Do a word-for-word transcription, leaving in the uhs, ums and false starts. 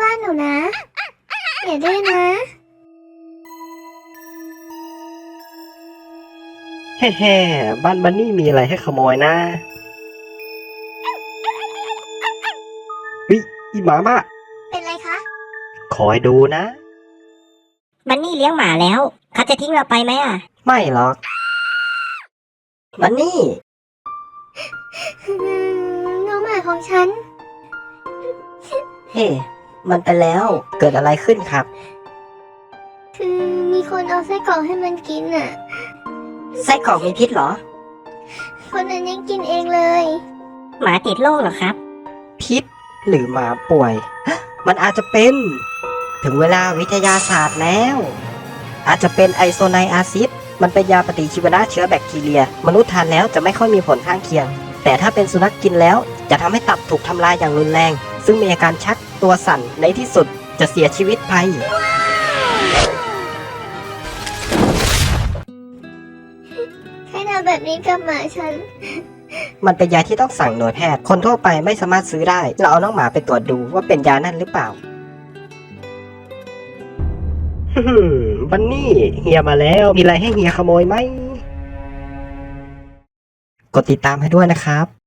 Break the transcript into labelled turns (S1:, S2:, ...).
S1: บ้านหนูนะอย่าดื้อนะ
S2: แฮ่ๆบ้านบันนี่มีอะไรให้ขโมยนะวิอีหมาบ้า
S1: เป็นไรคะ
S2: คอยดูนะ
S3: บันนี่เลี้ยงหมาแล้วเขาจะทิ้งเราไปไหมอ่ะ
S2: ไม่หรอกบันนี่
S1: อืมน้องหมาของฉัน
S2: เฮ้ มันไปแล้ว เกิดอะไรขึ้นครับ
S1: คือมีคนเอาไส้กรอกให้มันกินอ่ะ
S2: ไส้กรอกมีพิษเหรอ
S1: คนนั้นยังกินเองเลย
S3: หมาติดโรคเหรอครับ
S2: พิษหรือหมาป่วย มันอาจจะเป็น ถึงเวลาวิทยาศาสตร์แล้ว อาจจะเป็นไอโซไนอาซิด มันเป็นยาปฏิชีวนะเชื้อแบคทีเรีย มนุษย์ทานแล้วจะไม่ค่อยมีผลข้างเคียง แต่ถ้าเป็นสุนัขกินแล้วจะทำให้ตับถูกทำลายอย่างรุนแรง ซึ่งมีอาการชักตัวสั่นในที่สุดจะเสียชีวิตไป
S1: ใครทำแบบนี้กับหมาฉัน
S2: มันเป็นยาที่ต้องสั่งหน่วยแพทย์ คนทั่วไปไม่สามารถซื้อได้ เราเอาน้องหมาไปตรวจดูว่าเป็นยานั่นหรือเปล่า บันนี่เฮียมาแล้ว มีอะไรให้เฮียขโมยไหม กดติดตามให้ด้วยนะครับ